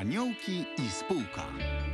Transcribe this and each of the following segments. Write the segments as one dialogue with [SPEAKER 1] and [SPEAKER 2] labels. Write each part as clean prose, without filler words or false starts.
[SPEAKER 1] Aniołki i spółka.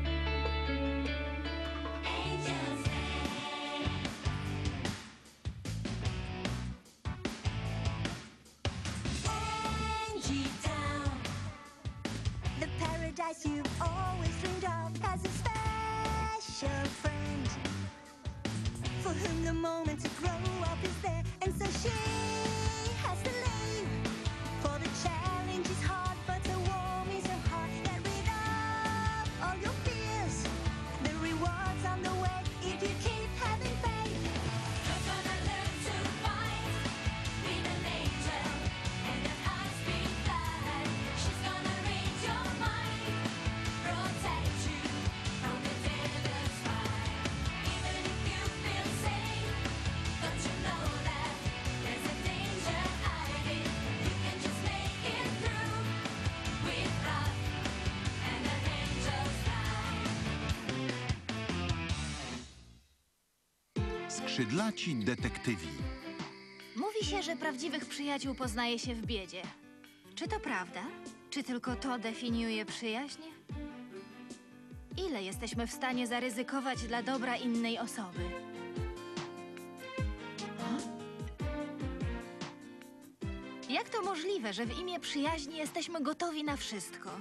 [SPEAKER 2] The paradise you've always dreamed of has a special friend for whom the moment to grow up is there, and so she has to leave. For the challenge is hard, but the warm is her heart. Get rid of all your fears. The rewards on the way if you keep having faith.
[SPEAKER 3] You're gonna learn to fight with an angel and an high-speed flight. She's gonna read your mind, protect you from the devil's fire. Even if you feel safe, don't you know that there's a danger hiding? You can just make it through with love and an angel's flight.
[SPEAKER 1] Skrzydlaci detektywi.
[SPEAKER 4] Mówi się, że prawdziwych przyjaciół poznaje się w biedzie. Czy to prawda? Czy tylko to definiuje przyjaźń? Ile jesteśmy w stanie zaryzykować dla dobra innej osoby? Jak to możliwe, że w imię przyjaźni jesteśmy gotowi na wszystko?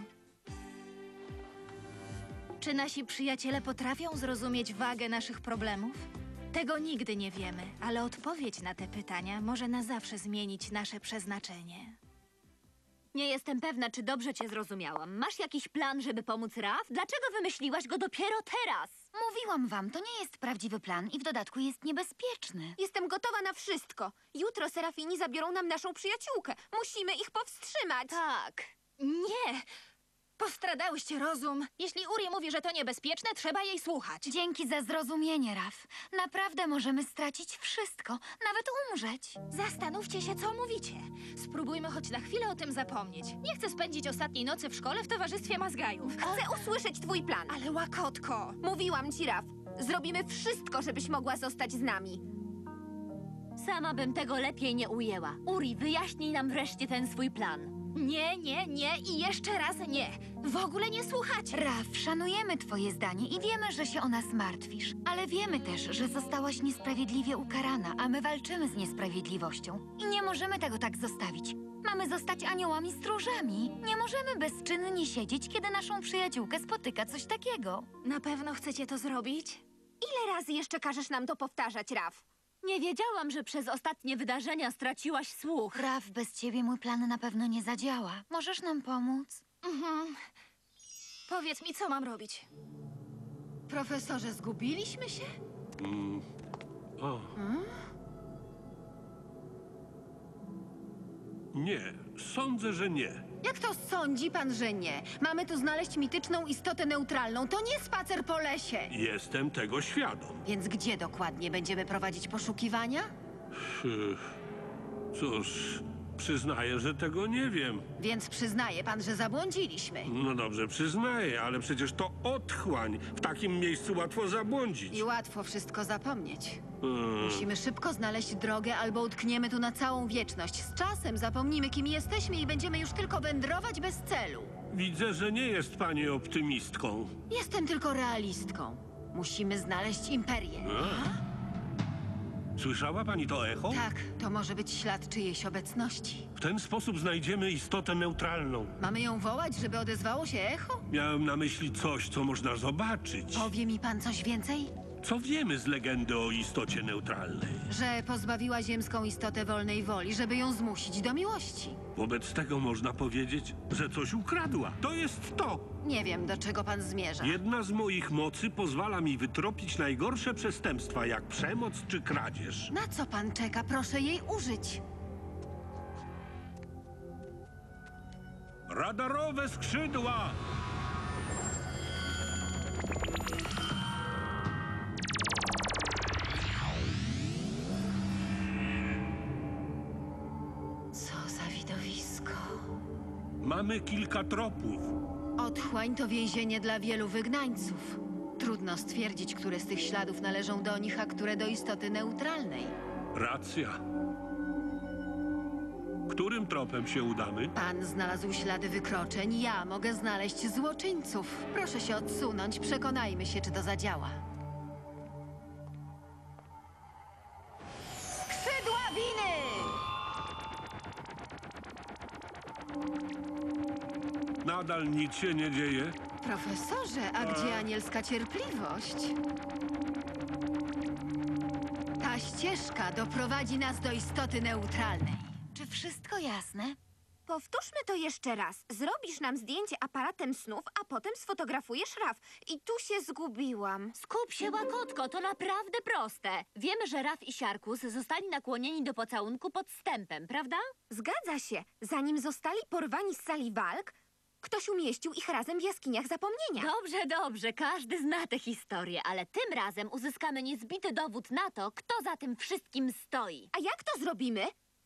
[SPEAKER 4] Czy nasi przyjaciele potrafią zrozumieć wagę naszych problemów? Tego nigdy nie wiemy, ale odpowiedź na te pytania może na zawsze zmienić nasze przeznaczenie.
[SPEAKER 5] Nie jestem pewna, czy dobrze cię zrozumiałam. Masz jakiś plan, żeby pomóc Raf? Dlaczego wymyśliłaś go dopiero teraz?
[SPEAKER 6] Mówiłam wam, to nie jest prawdziwy plan i w dodatku jest niebezpieczny.
[SPEAKER 7] Jestem gotowa na wszystko. Jutro Serafini zabiorą nam naszą przyjaciółkę. Musimy ich powstrzymać.
[SPEAKER 4] Tak. Nie! Postradałyście rozum. Jeśli Uri mówi, że to niebezpieczne, trzeba jej słuchać.
[SPEAKER 6] Dzięki za zrozumienie, Raf. Naprawdę możemy stracić wszystko, nawet umrzeć.
[SPEAKER 4] Zastanówcie się, co mówicie. Spróbujmy choć na chwilę o tym zapomnieć. Nie chcę spędzić ostatniej nocy w szkole w towarzystwie mazgajów.
[SPEAKER 7] Chcę usłyszeć twój plan.
[SPEAKER 4] Ale łakotko!
[SPEAKER 7] Mówiłam ci, Raf. Zrobimy wszystko, żebyś mogła zostać z nami.
[SPEAKER 5] Sama bym tego lepiej nie ujęła. Uri, wyjaśnij nam wreszcie ten swój plan.
[SPEAKER 4] Nie, nie, nie i jeszcze raz nie. W ogóle nie słuchacie.
[SPEAKER 6] Raf, szanujemy twoje zdanie i wiemy, że się o nas martwisz. Ale wiemy też, że zostałaś niesprawiedliwie ukarana, a my walczymy z niesprawiedliwością. I nie możemy tego tak zostawić. Mamy zostać aniołami stróżami. Nie możemy bezczynnie siedzieć, kiedy naszą przyjaciółkę spotyka coś takiego.
[SPEAKER 4] Na pewno chcecie to zrobić?
[SPEAKER 7] Ile razy jeszcze każesz nam to powtarzać, Raf?
[SPEAKER 5] Nie wiedziałam, że przez ostatnie wydarzenia straciłaś słuch.
[SPEAKER 6] Raf, bez ciebie mój plan na pewno nie zadziała. Możesz nam pomóc?
[SPEAKER 4] Powiedz mi, co mam robić.
[SPEAKER 8] Profesorze, zgubiliśmy się?
[SPEAKER 9] Nie, sądzę, że nie.
[SPEAKER 8] Jak to sądzi pan, że nie? Mamy tu znaleźć mityczną istotę neutralną. To nie spacer po lesie.
[SPEAKER 9] Jestem tego świadom.
[SPEAKER 8] Więc gdzie dokładnie będziemy prowadzić poszukiwania?
[SPEAKER 9] Cóż, przyznaję, że tego nie wiem.
[SPEAKER 8] Więc przyznaje pan, że zabłądziliśmy.
[SPEAKER 9] No dobrze, przyznaję, ale przecież to otchłań. W takim miejscu łatwo zabłądzić.
[SPEAKER 8] I łatwo wszystko zapomnieć. Musimy szybko znaleźć drogę, albo utkniemy tu na całą wieczność. Z czasem zapomnimy, kim jesteśmy i będziemy już tylko wędrować bez celu.
[SPEAKER 9] Widzę, że nie jest pani optymistką.
[SPEAKER 8] Jestem tylko realistką. Musimy znaleźć imperię.
[SPEAKER 9] Słyszała pani to echo?
[SPEAKER 8] Tak, to może być ślad czyjejś obecności.
[SPEAKER 9] W ten sposób znajdziemy istotę neutralną.
[SPEAKER 8] Mamy ją wołać, żeby odezwało się echo?
[SPEAKER 9] Miałem na myśli coś, co można zobaczyć.
[SPEAKER 8] Powie mi pan coś więcej?
[SPEAKER 9] Co wiemy z legendy o istocie neutralnej?
[SPEAKER 8] Że pozbawiła ziemską istotę wolnej woli, żeby ją zmusić do miłości.
[SPEAKER 9] Wobec tego można powiedzieć, że coś ukradła. To jest to!
[SPEAKER 8] Nie wiem, do czego pan zmierza.
[SPEAKER 9] Jedna z moich mocy pozwala mi wytropić najgorsze przestępstwa, jak przemoc czy kradzież.
[SPEAKER 8] Na co pan czeka? Proszę jej użyć.
[SPEAKER 9] Radarowe skrzydła!
[SPEAKER 8] Co za widowisko.
[SPEAKER 9] Mamy kilka tropów.
[SPEAKER 8] Otchłań to więzienie dla wielu wygnańców. Trudno stwierdzić, które z tych śladów należą do nich, a które do istoty neutralnej.
[SPEAKER 9] Racja. Którym tropem się udamy?
[SPEAKER 8] Pan znalazł ślady wykroczeń, ja mogę znaleźć złoczyńców. Proszę się odsunąć, przekonajmy się, czy to zadziała.
[SPEAKER 4] Skrzydła winy!
[SPEAKER 9] Nadal nic się nie dzieje.
[SPEAKER 8] Profesorze, a gdzie anielska cierpliwość? Ta ścieżka doprowadzi nas do istoty neutralnej.
[SPEAKER 6] Czy wszystko jasne?
[SPEAKER 7] Powtórzmy to jeszcze raz. Zrobisz nam zdjęcie aparatem snów, a potem sfotografujesz Raf. I tu się zgubiłam.
[SPEAKER 5] Skup się, Łakotko, to naprawdę proste. Wiemy, że Raf i Siarkus zostali nakłonieni do pocałunku podstępem, prawda?
[SPEAKER 7] Zgadza się. Zanim zostali porwani z sali walk, ktoś umieścił ich razem w jaskiniach zapomnienia.
[SPEAKER 5] Dobrze, dobrze, każdy zna tę historię, ale tym razem uzyskamy niezbity dowód na to, kto za tym wszystkim stoi.
[SPEAKER 7] A jak to zrobimy?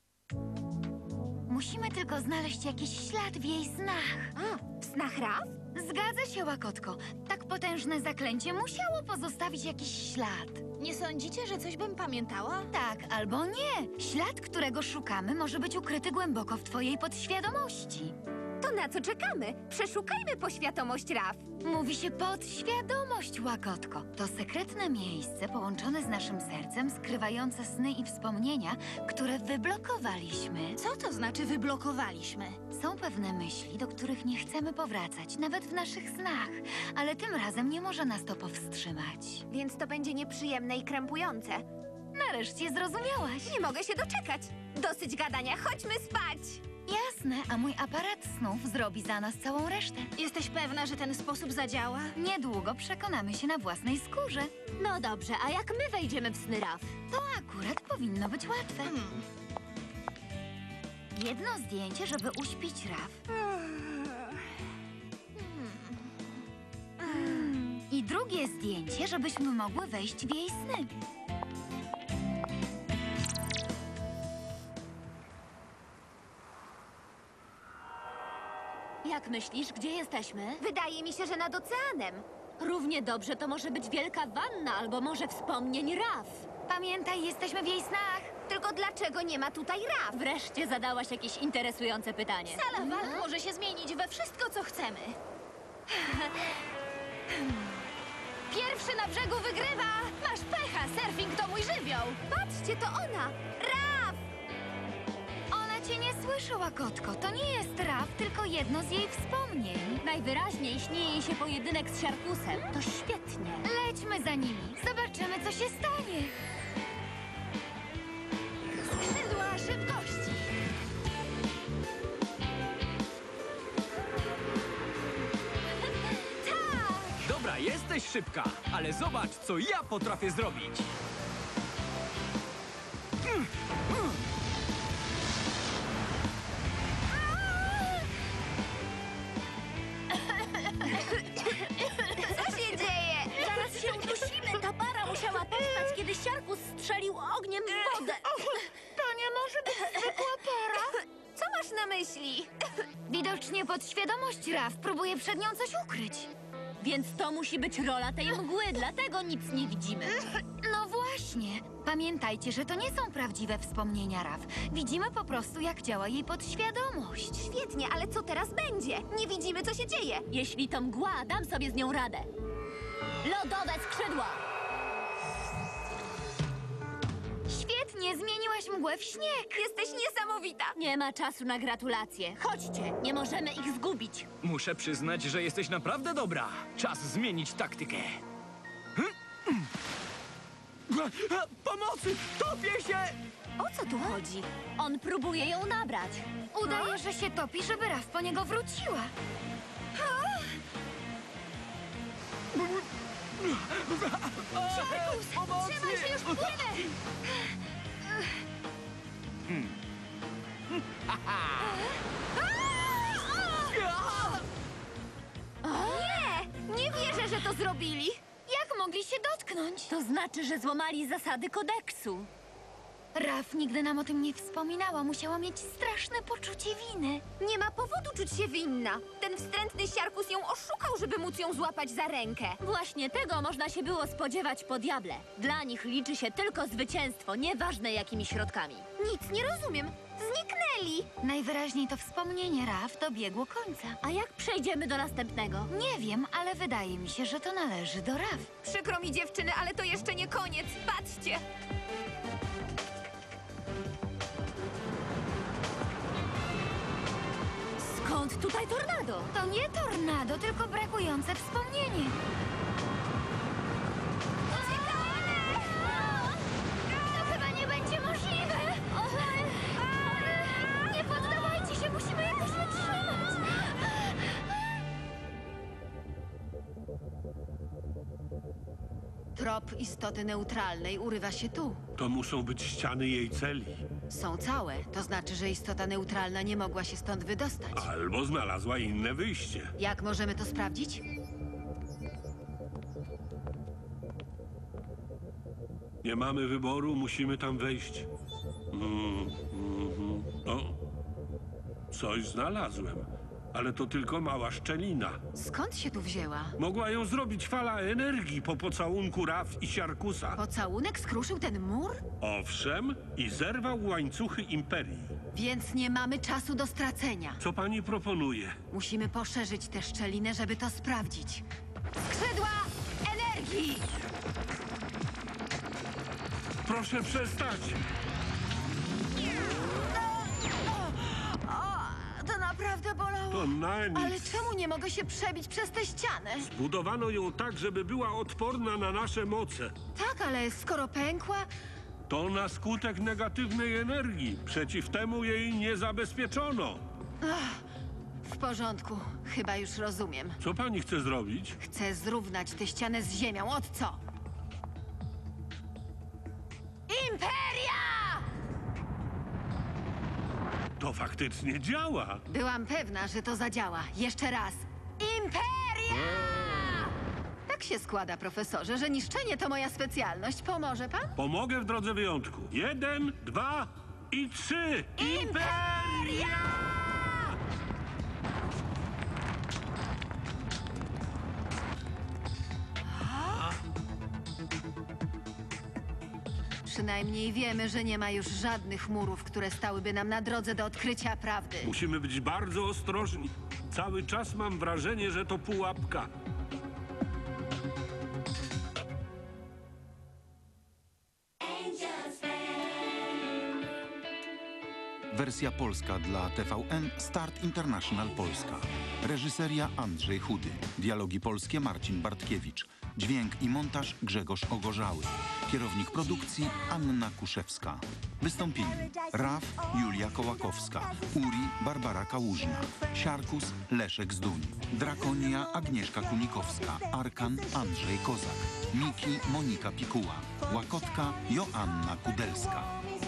[SPEAKER 6] Musimy tylko znaleźć jakiś ślad w jej snach.
[SPEAKER 7] A, w snach Raf?
[SPEAKER 6] Zgadza się, Łakotko. Tak potężne zaklęcie musiało pozostawić jakiś ślad.
[SPEAKER 4] Nie sądzicie, że coś bym pamiętała?
[SPEAKER 6] Tak albo nie. Ślad, którego szukamy, może być ukryty głęboko w twojej podświadomości.
[SPEAKER 7] To na co czekamy? Przeszukajmy poświadomość Raf.
[SPEAKER 6] Mówi się podświadomość, Łakotko. To sekretne miejsce połączone z naszym sercem, skrywające sny i wspomnienia, które wyblokowaliśmy.
[SPEAKER 4] Co to znaczy wyblokowaliśmy?
[SPEAKER 6] Są pewne myśli, do których nie chcemy powracać, nawet w naszych snach. Ale tym razem nie może nas to powstrzymać.
[SPEAKER 7] Więc to będzie nieprzyjemne i krępujące.
[SPEAKER 6] Nareszcie zrozumiałaś.
[SPEAKER 7] Nie mogę się doczekać. Dosyć gadania, chodźmy spać!
[SPEAKER 6] Jasne, a mój aparat snów zrobi za nas całą resztę.
[SPEAKER 4] Jesteś pewna, że ten sposób zadziała?
[SPEAKER 6] Niedługo przekonamy się na własnej skórze.
[SPEAKER 5] No dobrze, a jak my wejdziemy w sny Raf?
[SPEAKER 6] To akurat powinno być łatwe. Jedno zdjęcie, żeby uśpić Raf. I drugie zdjęcie, żebyśmy mogły wejść w jej sny.
[SPEAKER 5] Jak myślisz, gdzie jesteśmy?
[SPEAKER 7] Wydaje mi się, że nad oceanem.
[SPEAKER 5] Równie dobrze to może być wielka wanna albo może wspomnień Raf.
[SPEAKER 6] Pamiętaj, jesteśmy w jej snach.
[SPEAKER 7] Tylko dlaczego nie ma tutaj Raf?
[SPEAKER 5] Wreszcie zadałaś jakieś interesujące pytanie.
[SPEAKER 4] Sala walk może się zmienić we wszystko, co chcemy. Pierwszy na brzegu wygrywa! Masz pecha, surfing to mój żywioł!
[SPEAKER 7] Patrzcie, to ona! Raf!
[SPEAKER 6] Ona cię nie słyszy, Łakotko. To nie jest Raf, tylko jedno z jej wspomnień.
[SPEAKER 5] Najwyraźniej śni jej się pojedynek z Siarkusem. To świetnie.
[SPEAKER 6] Lećmy za nimi. Zobaczymy, co się stanie.
[SPEAKER 4] Skrzydła szybkości!
[SPEAKER 10] Dobra, jesteś szybka, ale zobacz, co ja potrafię zrobić.
[SPEAKER 7] Co się dzieje?
[SPEAKER 5] Zaraz się udusimy. Ta para musiała powstać, kiedy Siarkus strzelił ogniem w wodę.
[SPEAKER 6] To nie może być zwykła para.
[SPEAKER 7] Co masz na myśli?
[SPEAKER 6] Widocznie podświadomość Raf próbuje przed nią coś ukryć.
[SPEAKER 5] Więc to musi być rola tej mgły, dlatego nic nie widzimy.
[SPEAKER 6] No właśnie. Pamiętajcie, że to nie są prawdziwe wspomnienia Raf. Widzimy po prostu, jak działa jej podświadomość.
[SPEAKER 7] Świetnie, ale co teraz będzie? Nie widzimy, co się dzieje.
[SPEAKER 5] Jeśli to mgła, dam sobie z nią radę. Lodowe skrzydła!
[SPEAKER 6] Świetnie, zmieniłaś mgłę w śnieg.
[SPEAKER 7] Jesteś niesamowita.
[SPEAKER 5] Nie ma czasu na gratulacje. Chodźcie, nie możemy ich zgubić.
[SPEAKER 10] Muszę przyznać, że jesteś naprawdę dobra. Czas zmienić taktykę. Pomocy! Topię się!
[SPEAKER 7] O co tu chodzi?
[SPEAKER 5] On próbuje ją nabrać.
[SPEAKER 6] Udaje, że się topi, żeby Raf po niego wróciła.
[SPEAKER 10] Pomocy!
[SPEAKER 4] Trzymaj się, już płynę!
[SPEAKER 7] Nie wierzę, że to zrobili.
[SPEAKER 6] Jak mogli się dotknąć?
[SPEAKER 5] To znaczy, że złamali zasady kodeksu.
[SPEAKER 6] Raf nigdy nam o tym nie wspominała. Musiała mieć straszne poczucie winy.
[SPEAKER 7] Nie ma powodu czuć się winna. Ten wstrętny Siarkus ją oszukał, żeby móc ją złapać za rękę.
[SPEAKER 5] Właśnie tego można się było spodziewać po diable. Dla nich liczy się tylko zwycięstwo, nieważne jakimi środkami.
[SPEAKER 7] Nic nie rozumiem. Zniknęli. Lili.
[SPEAKER 6] Najwyraźniej to wspomnienie Raf dobiegło końca.
[SPEAKER 5] A jak przejdziemy do następnego?
[SPEAKER 6] Nie wiem, ale wydaje mi się, że to należy do Raf.
[SPEAKER 7] Przykro mi, dziewczyny, ale to jeszcze nie koniec. Patrzcie.
[SPEAKER 5] Skąd tutaj tornado?
[SPEAKER 6] To nie tornado, tylko brakujące wspomnienie. To chyba nie będzie możliwe. Nie poddawajcie się, musimy jakoś wytrzymać.
[SPEAKER 8] Trop istoty neutralnej urywa się tu.
[SPEAKER 9] To muszą być ściany jej celi.
[SPEAKER 8] Są całe, to znaczy, że istota neutralna nie mogła się stąd wydostać.
[SPEAKER 9] Albo znalazła inne wyjście.
[SPEAKER 8] Jak możemy to sprawdzić?
[SPEAKER 9] Nie mamy wyboru, musimy tam wejść. O, coś znalazłem. Ale to tylko mała szczelina.
[SPEAKER 8] Skąd się tu wzięła?
[SPEAKER 9] Mogła ją zrobić fala energii po pocałunku Raf i Siarkusa.
[SPEAKER 8] Pocałunek skruszył ten mur?
[SPEAKER 9] Owszem, i zerwał łańcuchy Imperii.
[SPEAKER 8] Więc nie mamy czasu do stracenia.
[SPEAKER 9] Co pani proponuje?
[SPEAKER 8] Musimy poszerzyć tę szczelinę, żeby to sprawdzić. Skrzydła energii!
[SPEAKER 9] Proszę przestać!
[SPEAKER 8] To naprawdę bolało.
[SPEAKER 9] To na nic.
[SPEAKER 8] Ale czemu nie mogę się przebić przez tę ścianę?
[SPEAKER 9] Budowano ją tak, żeby była odporna na nasze moce.
[SPEAKER 8] Tak, ale skoro pękła,
[SPEAKER 9] To na skutek negatywnej energii. Przeciw temu jej nie zabezpieczono.
[SPEAKER 8] w porządku. Chyba już rozumiem.
[SPEAKER 9] Co pani chce zrobić?
[SPEAKER 8] Chcę zrównać tę ścianę z ziemią. Od co? Imperia!
[SPEAKER 9] To faktycznie działa.
[SPEAKER 8] Byłam pewna, że to zadziała. Jeszcze raz. Imperia! Tak się składa, profesorze, że niszczenie to moja specjalność. Pomoże pan?
[SPEAKER 9] Pomogę w drodze wyjątku. 1, 2 i 3. Imperia!
[SPEAKER 8] Przynajmniej wiemy, że nie ma już żadnych murów, które stałyby nam na drodze do odkrycia prawdy.
[SPEAKER 9] Musimy być bardzo ostrożni. Cały czas mam wrażenie, że to pułapka.
[SPEAKER 1] Wersja polska dla TVN Start International Polska. Reżyseria Andrzej Chudy. Dialogi polskie Marcin Bartkiewicz. Dźwięk i montaż Grzegorz Ogorzały. Kierownik produkcji Anna Kuszewska. Wystąpili Raf Julia Kołakowska, Uri Barbara Kałużna, Siarkus Leszek Zduń, Drakonia Agnieszka Kunikowska, Arkan Andrzej Kozak, Miki Monika Pikuła, Łakotka Joanna Kudelska.